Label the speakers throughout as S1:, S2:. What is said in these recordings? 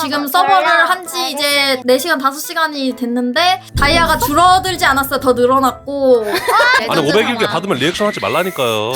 S1: 지금 서버를 한 지 이제 4시간 5시간이 됐는데 다이아가 줄어들지 않았어요. 더 늘어났고.
S2: 아니 500일게 받으면 리액션 하지 말라니까요.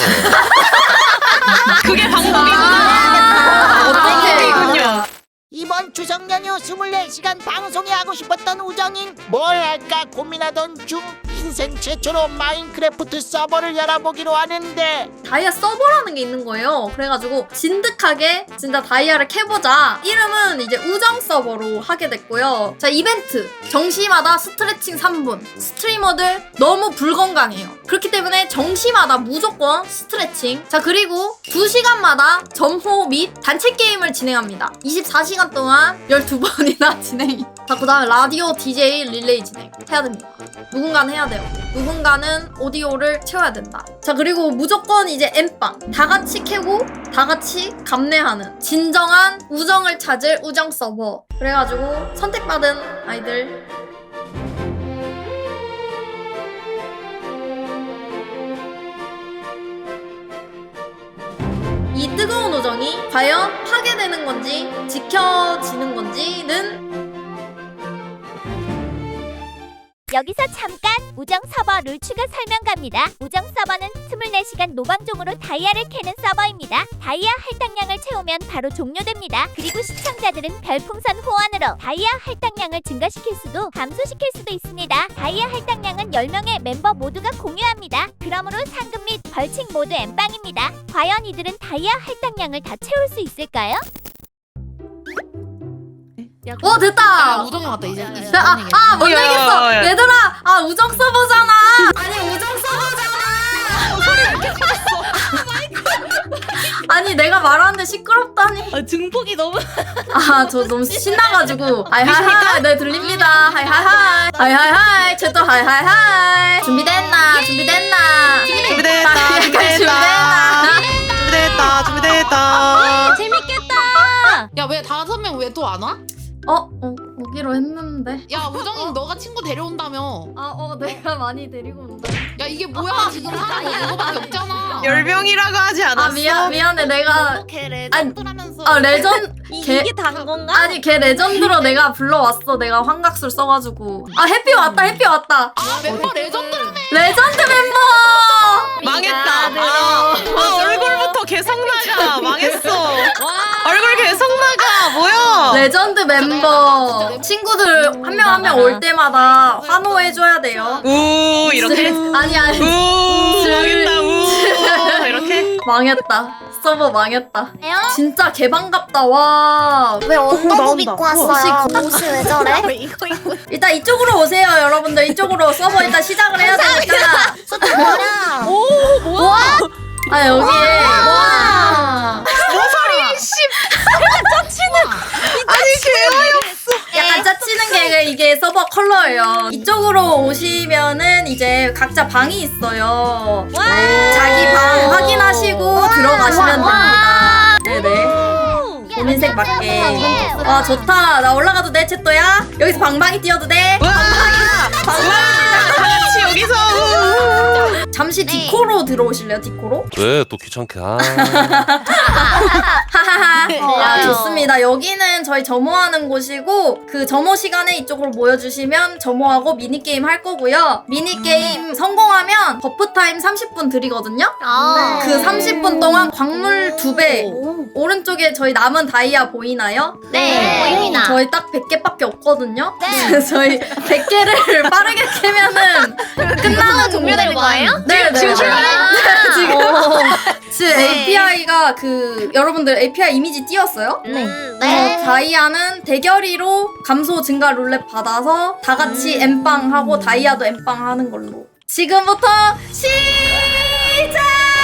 S3: 그게 방법이구나.
S1: 어떻게
S4: 이번 추석 연휴 24시간 방송에 하고 싶었던 우정인 뭘 할까 고민하던 중 인생 최초로 마인크래프트 서버를 열어보기로 하는데
S1: 다이아 서버라는 게 있는 거예요. 그래가지고 진득하게 진짜 다이아를 캐보자. 이름은 이제 우정 서버로 하게 됐고요. 자, 이벤트 정시마다 스트레칭 3분. 스트리머들 너무 불건강해요. 그렇기 때문에 정시마다 무조건 스트레칭. 자, 그리고 2시간마다 점호 및 단체 게임을 진행합니다. 24시간 동안 12번이나 진행이. 자, 그 다음에 라디오 DJ 릴레이 진행 해야 됩니다. 누군가는 해야 돼요. 누군가는 오디오를 채워야 된다. 자, 그리고 무조건 이제 엠빵 다 같이 캐고 다 같이 감내하는 진정한 우정을 찾을 우정 서버. 그래가지고 선택받은 아이들 이 뜨거운 우정이 과연 파괴되는 건지 지켜지는 건지는
S5: 여기서 잠깐 우정 서버 룰 추가 설명 갑니다. 우정 서버는 24시간 노방종으로 다이아를 캐는 서버입니다. 다이아 할당량을 채우면 바로 종료됩니다. 그리고 시청자들은 별풍선 호환으로 다이아 할당량을 증가시킬 수도 감소시킬 수도 있습니다. 다이아 할당량은 10명의 멤버 모두가 공유합니다. 그러므로 상금 및 벌칙 모두 엠빵입니다. 과연 이들은 다이아 할당량을 다 채울 수 있을까요?
S1: 됐다.
S6: 우정이 왔다 이제.
S1: 못 내겠어.
S3: 야.
S1: 얘들아, 우정 서버잖아. 아니, 우정 서버잖아. 아니, 내가 말하는데 시끄럽다니.
S6: 증폭이 너무.
S1: 저 너무 신나가지고. 하이하이하이. 네, 들립니다. 하이하이하이. 하이하이하이. 쟤또 하이하이하이. 준비됐나? 준비됐나?
S3: 준비됐다. 준비됐다.
S6: 재밌겠다. 야 왜 5명 왜 또 안 와?
S1: 오기로 했는데.
S6: 야 우정이 너가 친구 데려온다며.
S1: 내가 많이 데리고 온다.
S6: 야 이게 뭐야 지금 사람 이거밖에 없잖아.
S3: 열병이라고 하지 않았어?
S1: 미안해. 내가.
S6: 걔 레전드라면서.
S1: 이게
S5: 단 건가?
S1: 아니, 걔 레전드로 내가 불러왔어. 내가 환각술 써가지고. 해피 왔다.
S6: 멤버 레전드라며.
S1: 레전드 멤버!
S3: 망했다. 얼굴부터 개성 나가. 망했어. 얼굴 개성 나가. 뭐야?
S1: 레전드 멤버. 친구들 한 명 한 명 올 때마다 환호해줘야 돼요.
S3: 우 이렇게.
S1: 아니.
S3: 우 망했다. 우 이렇게.
S1: 망했다. 서버 망했다. 진짜 개반갑다. 와.
S5: 왜
S3: 언더복 입고
S5: 왔어요?
S1: 옷이
S5: 옷이 왜 저래?
S1: 일단 이쪽으로 오세요, 여러분들. 이쪽으로 서버 일단 시작을 해야 되니까.
S5: 뭐야?
S1: 여기에. 약간 짜치는 게 이게 서버 컬러예요. 이쪽으로 오시면은 이제 각자 방이 있어요. 자기 방 확인하시고 들어가시면 됩니다. 네네. 본인색 맞게. 와, 좋다. 나 올라가도 돼, 채또야? 여기서 방방이 뛰어도 돼?
S3: 와. 다 같이 여기서.
S1: 잠시 디코로 들어오실래요, 디코로?
S2: 왜 또 귀찮게?
S1: 하하하. 좋습니다. 여기는 저희 점호하는 곳이고 그 점호 시간에 이쪽으로 모여주시면 점호하고 미니게임 할 거고요. 미니게임 성공하면 버프타임 30분 드리거든요. 그 30분 동안 광물 2배. 오른쪽에 저희 남은 다이아 보이나요?
S5: 네, 보입니다.
S1: 저희 딱 100개밖에 없거든요. 네. 저희 100개를 빠르게 캐면은 끝나는
S5: 종료되는 거예요?
S1: 네,
S5: 지금
S1: 지금 API가 여러분들 API 이미지 띄웠어요?
S5: 네.
S1: 다이아는 대결이로 감소 증가 룰렛 받아서 다 같이 엠빵 하고 다이아도 엠빵 하는 걸로. 지금부터 시작!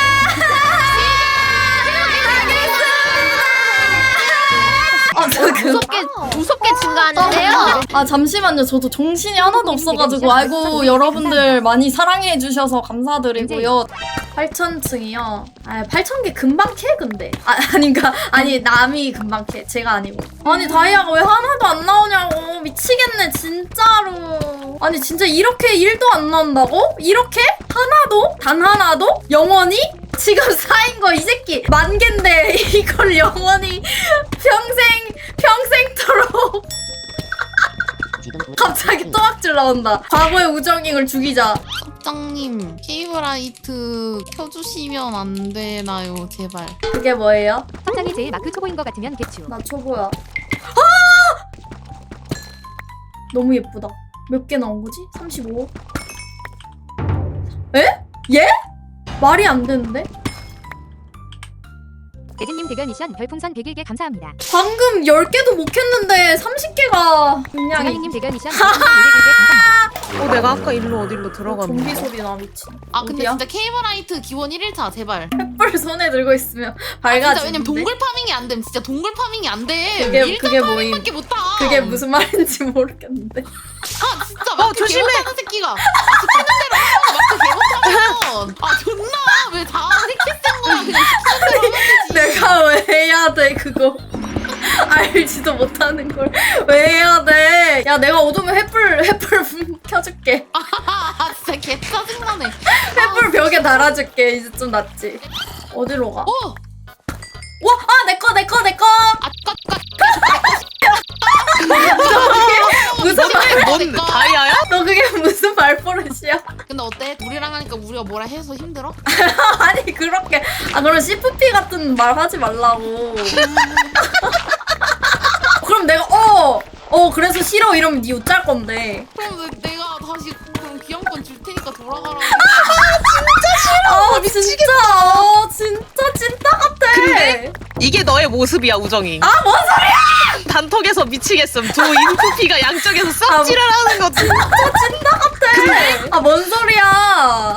S5: 무섭게 증가하는데요.
S1: 잠시만요. 저도 정신이 하나도 없어가지고. 아이고, 여러분들 많이 사랑해주셔서 감사드리고요. 8,000층이요. 8,000개 금방 캐, 근데. 아니, 남이 금방 캐. 제가 아니고. 아니, 다이아가 왜 하나도 안 나오냐고. 미치겠네, 진짜로. 아니, 진짜 이렇게 1도 안 나온다고? 이렇게? 하나도? 단 하나도? 영원히? 지금 쌓인 거 이 새끼 10,000개인데 이걸 영원히 평생토록 갑자기 또악질 나온다. 과거의 우정잉을 죽이자.
S6: 섭장님 케이블라이트 켜주시면 안 되나요 제발.
S1: 그게 뭐예요?
S7: 섭장이 제일 마크 초보인 것 같으면 개추.
S1: 나 초보야. 너무 예쁘다. 몇 개 나온 거지? 35. 에? 예? 말이 안 되는데?
S7: 대진님 대결 미션 별풍선 101개 감사합니다.
S1: 방금 10개도 못 켰는데 30개가 그냥
S7: 정한이님 대결 미션 별풍선 201개 감사합니다.
S3: 내가 아까 어디로 들어갔는데.
S1: 좀비 소리 나 미친.
S6: 아 근데
S1: 어디야?
S6: 진짜 케이블라이트 기원 1일차 제발.
S1: 횃불 손에 들고 있으면
S6: 진짜
S1: 밝아지는데.
S6: 왜냐면 동굴 파밍이 안 됨. 진짜 동굴 파밍이 안 돼.
S1: 그게 뭐임?
S6: 밖에 못 타.
S1: 그게 무슨 말인지 모르겠는데.
S6: 아 진짜 마크
S3: 조심해.
S6: 개못하는 새끼가. 아 시키는 대로 하면 마크 개못하면. 아 존나 왜 다 새끼 쓴 거야. 그냥 시키는 대로 하면 되지.
S1: 내가 왜 해야 돼 그거? 알지도 못하는 걸 왜 해야 돼? 야 내가 어두면 횃불 켜줄게.
S6: 아 진짜 개 짜증나네.
S1: 횃불 벽에 달아줄게. 이제 좀 낫지. 어디로 가?
S6: 오!
S1: 와! 아! 내꺼! 무슨 말?
S3: 뭔 다이아야?
S1: 너 그게 무슨 말버릇이야?
S6: 근데 어때? 우리랑 하니까 우리가 뭐라 해서 힘들어?
S1: 아니 그렇게 그럼 CFP 같은 말 하지 말라고. 그럼 내가 그래서 싫어 이러면 니 웃잘 건데.
S6: 그럼 내가 다시 그럼 귀염권 줄 테니까 돌아가라고. 진짜
S1: 진짜 같아.
S3: 근데? 이게 너의 모습이야 우정이.
S1: 뭔 소리야?
S3: 단톡에서 미치겠음. 두 인프피가 양쪽에서 썩질을 하는 거 진짜.
S1: 뭔 소리야?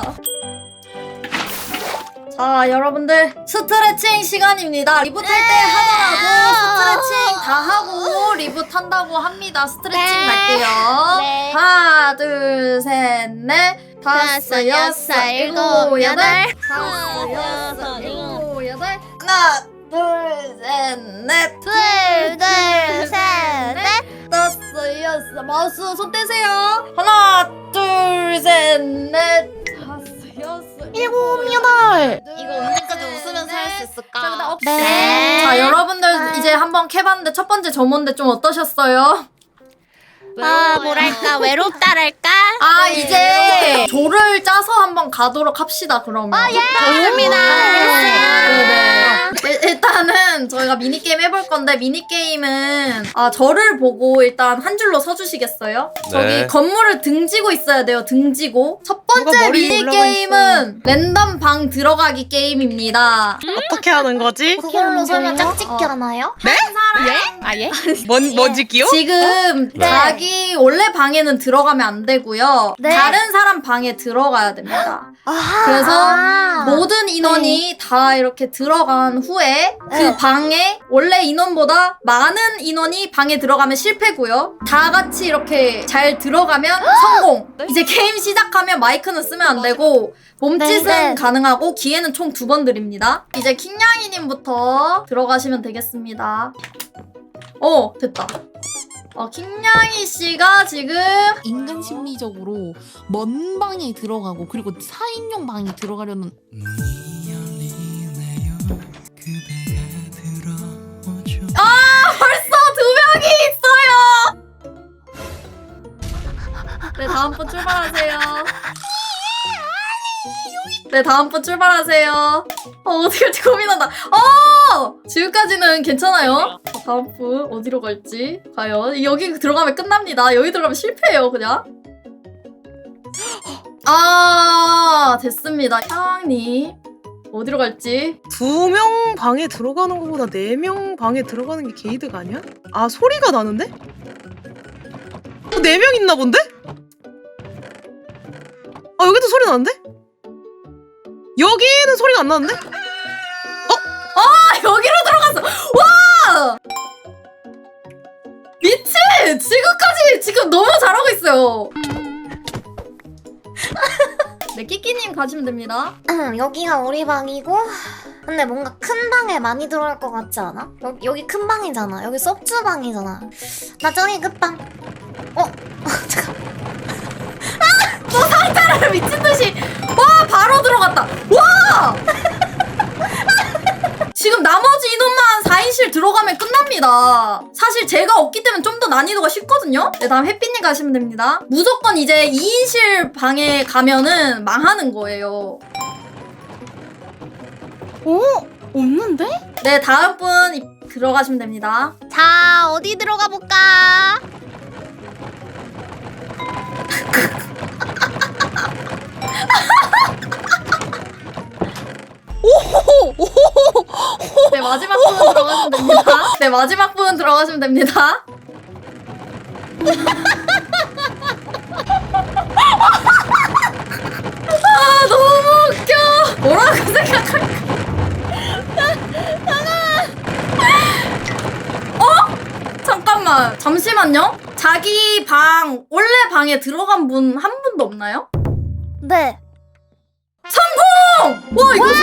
S1: 자, 여러분들 스트레칭 시간입니다. 리부트 할 때 하더라도 스트레칭 다 하고 리부트 한다고 합니다. 스트레칭 갈게요.
S5: 네.
S1: 하나, 둘, 셋, 넷, 다섯, 여섯, 일곱, 여덟, 다섯, 여섯, 일곱, 여덟. 하나, 둘, 셋, 넷, 다섯, 여섯. 마우스 손 떼세요. 하나, 둘, 셋, 넷, 다섯, 여섯, 일곱, 여덟.
S6: 이거 언제까지 웃으면서 할 수 있을까?
S5: 네.
S1: 자, 여러분들 이제 한번 캐봤는데 첫 번째 점호인데 좀 어떠셨어요?
S5: 뭐랄까 외롭다랄까.
S1: 이제 조를 짜서 한번 가도록 합시다. 그러면.
S5: 좋습니다.
S1: 네네. 일단은 저희가 미니게임 해볼 건데 미니게임은 저를 보고 일단 한 줄로 서주시겠어요? 저기
S2: 네.
S1: 건물을 등지고 있어야 돼요. 등지고. 첫 번째
S3: 누가 머리 올라가
S1: 미니게임은 랜덤 방 들어가기 게임입니다.
S3: 어떻게 하는 거지?
S5: 그걸로 설마 짝짓기 하나요?
S3: 뭔지 끼요?
S1: 지금
S5: 네.
S1: 자기 원래 방에는 들어가면 안 되고요.
S5: 네.
S1: 다른 사람 방에 들어가야 됩니다.
S5: 아하.
S1: 그래서 모든 인원이 다 이렇게 들어간 후에 그 방에 원래 인원보다 많은 인원이 방에 들어가면 실패고요. 다 같이 이렇게 잘 들어가면 성공. 이제 게임 시작하면 마이크는 쓰면 안 되고 몸짓은
S5: 네.
S1: 가능하고 기회는 총 2번 드립니다. 이제 킹냥이님부터 들어가시면 되겠습니다. 됐다. 킹냥이 씨가 지금
S6: 인간 심리적으로 먼 방에 들어가고 그리고 4인용 방에 들어가려는
S1: 벌써 2명이 있어요. 네, 다음 분 출발하세요. 네, 다음 분 출발하세요. 어떻게 할지 고민한다. 지금까지는 괜찮아요. 다음 분 어디로 갈지 과연 여기 들어가면 끝납니다. 여기 들어가면 실패해요, 그냥. 됐습니다. 향님 어디로 갈지.
S3: 2명 방에 들어가는 것보다 4명 방에 들어가는 게 게이드가 아니야? 소리가 나는데? 4명 있나 본데? 여기도 소리 나는데? 여기는 소리가 안 나는데?
S1: 여기로 들어갔어. 와! 미친! 지금 너무 잘하고 있어요. 네, 끼끼님 가시면 됩니다.
S5: 여기가 우리 방이고 근데 뭔가 큰 방에 많이 들어갈 것 같지 않아? 여기 큰 방이잖아. 여기 섭주 방이잖아. 나 저기 끝방. 잠깐.
S1: 상자를 미친듯이. 와! 바로 들어갔다. 와! 지금 나머지 인원만 4인실 들어가면 끝납니다. 사실 제가 없기 때문에 좀 더 난이도가 쉽거든요. 네, 다음 햇빛님 가시면 됩니다. 무조건 이제 2인실 방에 가면은 망하는 거예요.
S3: 오 없는데?
S1: 네, 다음 분 들어가시면 됩니다.
S5: 자, 어디 들어가 볼까?
S1: 네, 마지막 분 들어가시면 됩니다. 네, 마지막 분 들어가시면 됩니다. 아, 너무 웃겨. 뭐라고 생각할까? 잠깐만, 잠시만요. 자기 방, 원래 방에 들어간 분 한 분도 없나요?
S5: 네.
S1: 성공! 와, 이거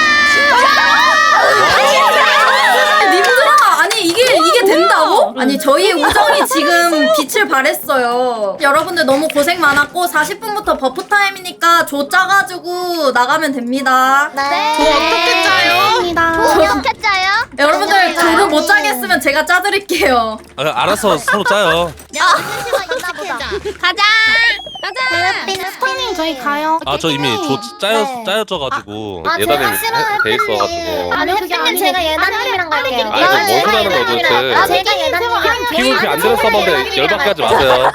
S1: 님들아, 아니 이게 된다고? 아니 저희의 우정이 지금 빛을 발했어요. 여러분들 너무 고생 많았고 40분부터 버프 타임이니까 조 짜가지고 나가면 됩니다.
S5: 네.
S3: 어떻게 짜요?
S5: 돈이 어떻게 짜요?
S1: 여러분들 조를 못 짜겠으면 제가 짜드릴게요.
S2: 알아서 서로 짜요.
S5: 있나 보다. 가자.
S6: 스톤님 저희 가요.
S2: 아 저 이미 조 짜여져가지고
S5: 아,
S2: 예단님
S5: 제가
S2: 돼 있어가지고.
S5: 아니 햇빛님 제가 예나님이랑 갈게요.
S2: 아니 저 뭔 소리 하는 거야 도대체.
S5: 제가 예나님이랑
S2: PVP 안 되는 서버인데 열받게 하지 마세요.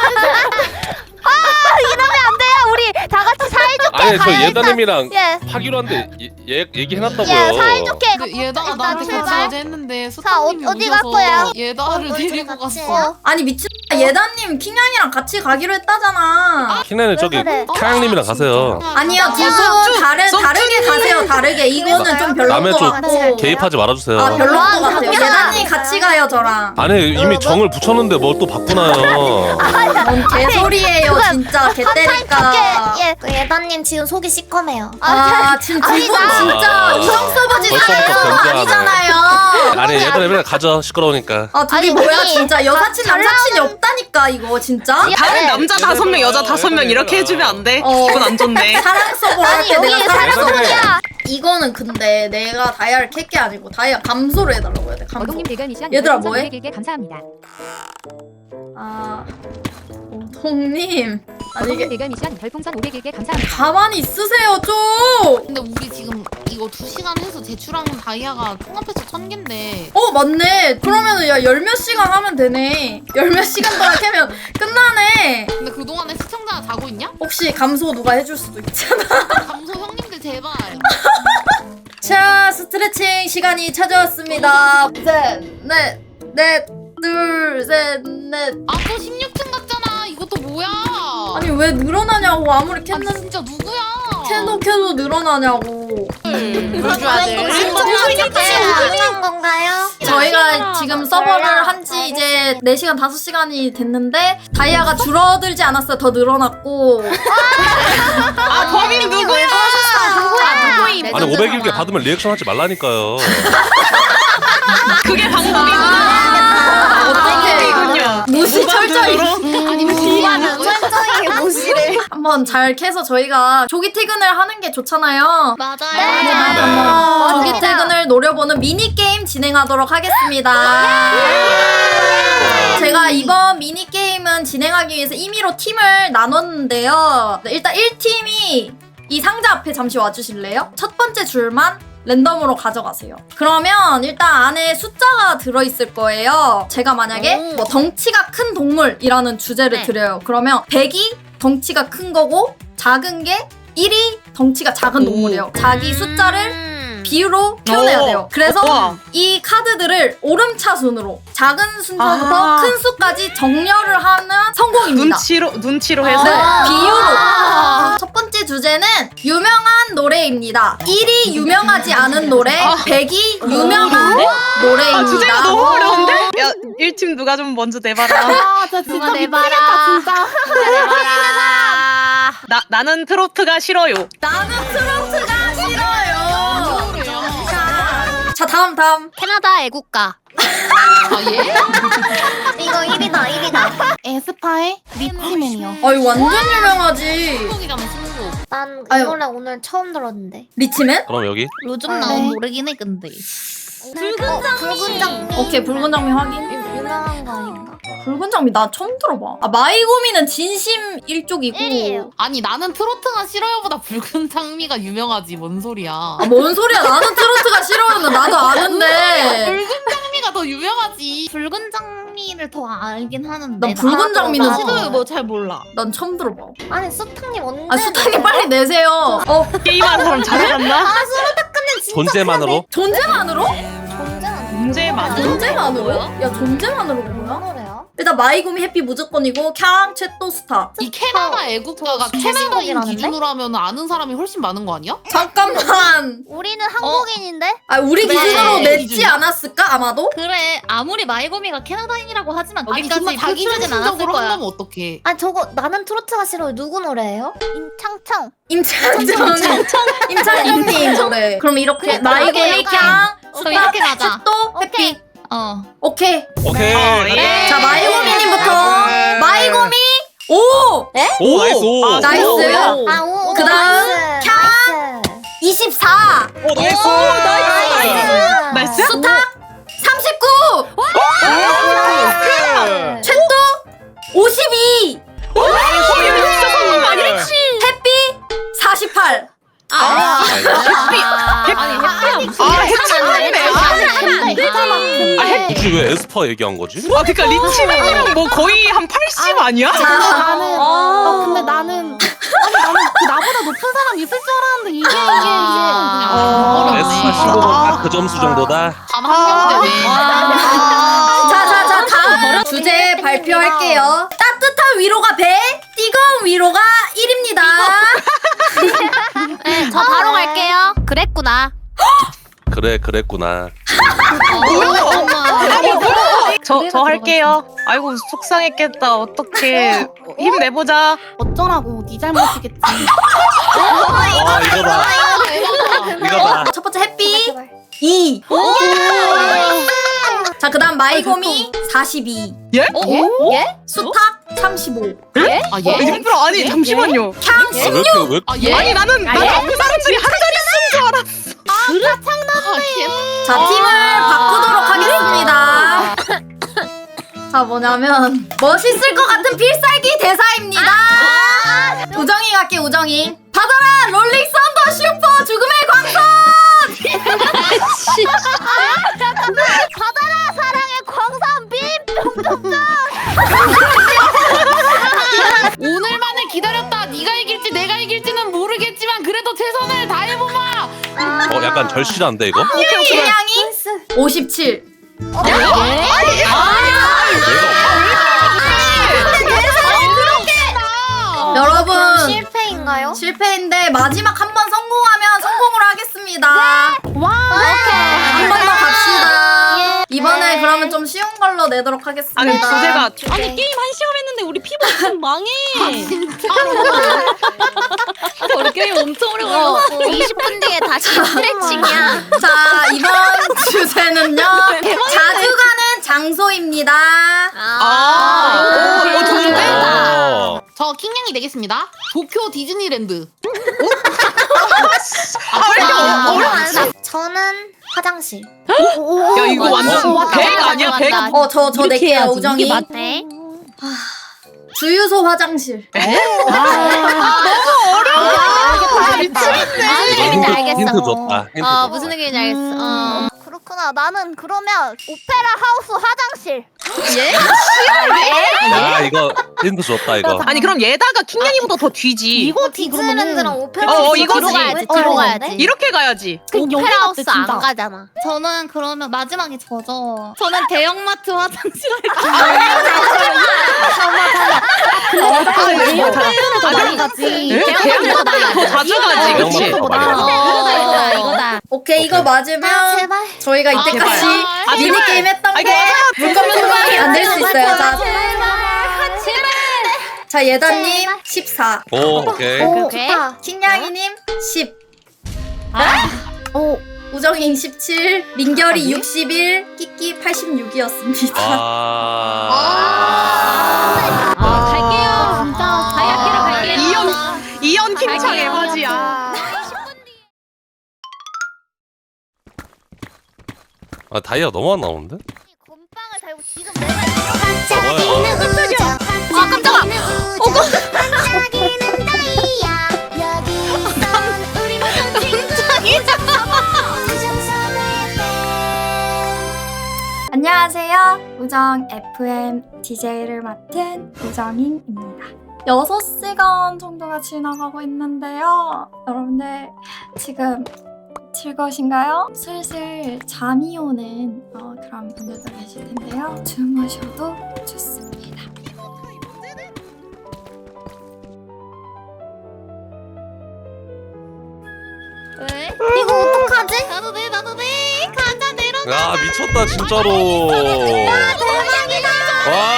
S5: 이러면 안 돼요. 우리 다 같이 사이좋게
S2: 아니 저
S5: 가야
S2: 예단님이랑
S5: 예.
S2: 하기로 한데 얘기해놨다고요.
S5: 예, 사이좋게.
S6: 근데 얘다가 나한테
S5: 일단
S6: 같이 어제 했는데
S5: 자,
S6: 스톤님이
S5: 어디
S6: 오셔서
S5: 갈 거야?
S6: 얘다를 데리고 갔어.
S1: 아니 미친 예단님 킹양이랑 같이 가기로 했다잖아.
S2: 킹나는 저기
S5: 그래?
S2: 카양님이랑 가세요.
S1: 아니요 두 분 다르게 가세요. 다르게 이거는 좀 별로인
S2: 남의
S1: 것
S2: 쪽
S1: 같고.
S2: 개입하지 말아주세요.
S1: 아 별로인 것
S5: 아,
S1: 같아요.
S5: 그렇구나.
S1: 예단님 같이 가요 저랑.
S2: 아니 이미 정을 붙였는데 뭘 또 바꾸나요.
S1: 뭔 개소리예요 진짜 개 때릴까.
S5: 예.
S8: 예단님 지금 속이 시커매요.
S1: 아 지금 두 분 진짜 우정 서버지
S2: 벌써부터
S1: 사연
S2: 견제하네.
S1: 아니잖아요.
S2: 아니 예단님이랑 가죠 시끄러우니까.
S1: 아 둘이
S5: 아니,
S1: 뭐야
S5: 우리
S1: 진짜 여사친 남사친이 없다니까 이거 진짜.
S3: 다른 남자 5명 여자 5명 이렇게 해주면 안 돼?
S1: 어.
S3: 기분 안 좋네.
S1: 사랑 서버 할 때
S5: 여기
S1: 내가
S5: 사랑
S1: 사랑 서버.
S5: 서버야.
S1: 이거는 근데 내가 다이아를 캘 게 아니고 다이아 감소를 해달라고 해야 돼. 감소.
S7: 어동님 대결 미션
S1: 얘들아,
S7: 별풍선
S1: 뭐해?
S7: 500개 감사합니다.
S1: 아 오동님 아니
S7: 어동님
S1: 이게
S7: 대결 미션 별풍선 500개 감사합니다.
S1: 가만히 있으세요 좀.
S6: 근데 우리 지금 이거 2시간 해서 제출한 다이아가 통합해서 1000개인데
S1: 어 맞네. 그러면은 야 열 몇 시간 하면 되네. 열 몇 시간 동안 캐면 끝나네.
S6: 근데 그동안에 시청자가 자고 있냐?
S1: 혹시 감소 누가 해줄 수도 있잖아.
S6: 감소 형님들 제발.
S1: 자 스트레칭 시간이 찾아왔습니다. 셋넷넷 둘 셋 넷.
S6: 아 또 16층 갔잖아. 이것도 뭐야?
S1: 아니 왜 늘어나냐고 아무리
S6: 아니,
S1: 캤는
S6: 진짜 누구야?
S1: 캐도 늘어나냐고.
S8: 가능한 건가요?
S1: 저희가 지금 서버를 한 지 이제 4시간 5시간이 됐는데 다이아가 줄어들지 않았어요. 더 늘어났고.
S3: 아 범인 누구야?
S2: 아니 501개 받으면 리액션 하지 말라니까요.
S3: 그게 방법이구나.
S1: 어떻게 무시 철저히
S6: 아니 무슨
S8: 철저하게 모시래.
S1: 한번 잘 캐서 저희가 조기 퇴근을 하는 게 좋잖아요.
S6: 맞아요.
S1: 조기 퇴근을 노려보는 미니게임 진행하도록 하겠습니다. 제가 이번 미니게임은 진행하기 위해서 임의로 팀을 나눴는데요. 일단 1팀이 이 상자 앞에 잠시 와주실래요? 첫 번째 줄만 랜덤으로 가져가세요. 그러면 일단 안에 숫자가 들어있을 거예요. 제가 만약에 뭐 덩치가 큰 동물이라는 주제를 드려요. 그러면 100이 덩치가 큰 거고 작은 게 1이 덩치가 작은 동물이에요. 자기 숫자를 비유로 표현해야 돼요. 그래서
S3: 우와.
S1: 이 카드들을 오름차순으로 작은 순서부터
S3: 아.
S1: 큰 수까지 정렬을 하면 성공입니다.
S3: 눈치로 해서.
S1: 네, 비유로. 첫 번째 주제는 유명한 노래입니다. 1이 유명하지 않은 노래, 100이 유명한 노래입니다.
S3: 아 주제가 너무 어려운데? 야 1팀 누가 좀 먼저 내봐라.
S6: 누가 내봐라. 진짜.
S3: 나는 트로트가 싫어요.
S1: 나는 트로트가 싫어요.
S6: 그래요.
S1: 자, 다음.
S5: 캐나다 애국가.
S6: 아 예?
S8: 이거 1위다.
S6: 에스파의 리치맨이요.
S1: 아유, 완전 유명하지.
S6: 신곡이잖아 신곡.
S8: 난 이
S1: 아유.
S8: 노래 오늘 처음 들었는데.
S1: 리치맨?
S2: 그럼 여기
S6: 요즘
S8: 아,
S6: 나온
S8: 네.
S6: 노래긴 해 근데.
S8: 붉은 장미.
S1: 오케이 붉은 장미 확인.
S8: 유명한 거 아닌가?
S1: 붉은 장미 나 처음 들어봐. 아 마이고미는 진심 일족이고.
S8: 1이에요.
S6: 아니 나는 트로트가 싫어요보다 붉은 장미가 유명하지 뭔 소리야.
S1: 아 뭔 소리야? 나는 트로트가 싫어하는 나도 아는데.
S6: 붉은 장미가 더 유명하지.
S8: 붉은 장미를 더 알긴 하는데.
S1: 난 붉은 장미는
S8: 나도
S3: 뭐잘 몰라.
S1: 난 처음 들어봐.
S8: 아니 수탁님 언제?
S1: 아 수탁님 빨리 내세요.
S3: 게임하는 사람 잘해갔나?
S8: 아 수탁님 진짜.
S2: 존재만으로?
S1: 존재만으로?
S8: 존재만.
S1: 존재만으로? 야 존재만으로 뭐야?
S8: 뭐래요?
S1: 일단 마이고미 해피 무조건이고 캬 채또스타.
S6: 이 캐나다 애국가가
S8: 저
S6: 캐나다인
S8: 최신곡이라는데?
S6: 기준으로 하면 아는 사람이 훨씬 많은 거 아니야?
S1: 잠깐만.
S8: 우리는 한국인인데?
S1: 아 우리
S6: 그래,
S1: 기준으로 냈지
S6: 기준이야?
S1: 않았을까 아마도?
S8: 그래 아무리 마이고미가 캐나다인이라고 하지만
S6: 아니 정말 자기 중심적으로 한다면 어떡해.
S8: 아 저거 나는 트로트가 싫어요. 누구 노래예요? 임창청.
S1: 임창정님 노래. 그럼 이렇게 마이고미 캬
S8: 그럼 이렇게 가자.
S1: 채또 해피. 오케이.
S2: 오케이.
S3: 예.
S1: 자 마이고미님부터 마이고미 5.
S2: 오 나이스 오.
S1: 나이스.
S8: 오.
S1: 그다음 캬 24.
S2: 오 나이스.
S3: 나이스.
S1: 수탁 39. 채또 52. 해피 48.
S2: 굳이 왜 에스파 얘기한 거지?
S3: 아 그니까 리치님 뭐 거의 한 80 아니야?
S8: 근데 나는 그 나보다 높은 사람 있을 줄 알았는데 이게
S2: 에스파 15는 딱 그 점수 정도다.
S6: 한 명대네.
S1: 자 다음 주제 발표할게요. 따뜻한 위로가 100, 뜨거운 위로가 1입니다.
S8: 저 바로 갈게요. 그랬구나.
S2: 그래 그랬구나.
S3: 저 할게요. 아이고 속상했겠다. 어떡해. 힘내보자.
S8: 어쩌라고 네 잘못이겠지.
S2: 아 이거다. 이거다.
S1: 첫 번째 해피 2. 자 그다음 마이고미 42.
S3: 예?
S1: 수탁 35.
S6: 아 예?
S3: 일부러 아니 잠시만요.
S1: 캬
S2: 아, 왜
S1: 16.
S2: 이렇게 왜?
S6: 아 예?
S3: 아니 나는 그 사람들이 한 자리 쓴 줄 알았어.
S1: 자 팀을 바꾸도록 하겠습니다. 자 뭐냐면 멋있을 것 같은 필살기 대사입니다. 우정이 갈게 우정이. 받아라 롤링 썬더 슈퍼 죽음의 광선.
S8: 받아라 사랑의 광산 빔.
S6: 오늘만을 기다렸다. 네가 이길지 내가 이길지는 모르겠지만 그래도 최선을 다해보마.
S2: 약간 절실한데 이거?
S1: 김양이 57. 여러분
S8: 실패인가요?
S1: 실패인데 마지막 한 번 성공하면 성공으로 하겠습니다. 한 번 더 갑시다. 이번에 그러면 좀 쉬운 걸로 내도록 하겠습니다.
S3: 아니 주제가
S9: 아니 게임 1시간 했는데 우리 피부 좀 망해. 우리 게임 엄청 오래 걸렸어.
S8: 20분 뒤에 다시 스트레칭이야.
S1: 자 이번 주제는요 자주 가는 장소입니다.
S3: 이거 좋은데?
S2: 어.
S6: 저 킹냥이 되겠습니다. 도쿄 디즈니랜드.
S8: 저는 화장실.
S3: 야 이거 완전 100 아니야 100?
S1: 저 낼게요 우정이.
S8: 네.
S1: 주유소 화장실.
S2: 힌트 줬다. 힌트 줬다.
S8: 무슨 얘기인지 알겠어. 그렇구나. 나는 그러면 오페라 하우스 화장실.
S2: 야 이거 힌트 줬다 이거.
S3: 아니 그럼 얘다가 킹냥이보다 더 뒤지.
S8: 이거 디즈니랜드랑 오페라
S3: 이거지.
S8: 뒤로 가야지. 뒤로 가야지.
S3: 이렇게 가야지.
S8: 오페라 하우스 안 가잖아. 저는 그러면 마지막에 저죠. 저는 대형마트 화장실
S3: 대형마트 더 자주 가지 그치?
S2: 대형마트가 많이
S8: 이거다.
S1: 오케이 이거 맞으면
S8: 제발.
S1: 저희가 이때까지
S3: 제발.
S1: 미니 게임 했던 거 물건 소망이 안 될 수 있어요. 자 예다님 14.
S2: 오 오케이.
S8: 좋다.
S1: 킹냥이님 10. 우정인 17. 민결이 61. 끼끼 86이었습니다.
S9: 갈게요. 진짜 다이아키로 갈게요.
S3: 이연 킹창 에바지야.
S2: 아 다이아 너무 안 나오는데?
S5: 곰빵을 달고 지금 내가
S2: 뭐야?
S1: 아 깜짝아.
S10: 안녕하세요. 우정 FM DJ를 맡은 우정인입니다. 6시간 정도가 지나가고 있는데요. 여러분들 지금 즐거우신가요? 슬슬 잠이 오는 그런 분들도 계실 텐데요. 주무셔도 좋습니다.
S8: 왜? 이거 어떡하지? 나도 돼. 가자 내려.
S2: 야 미쳤다 진짜로.
S8: 대박이다.
S2: 와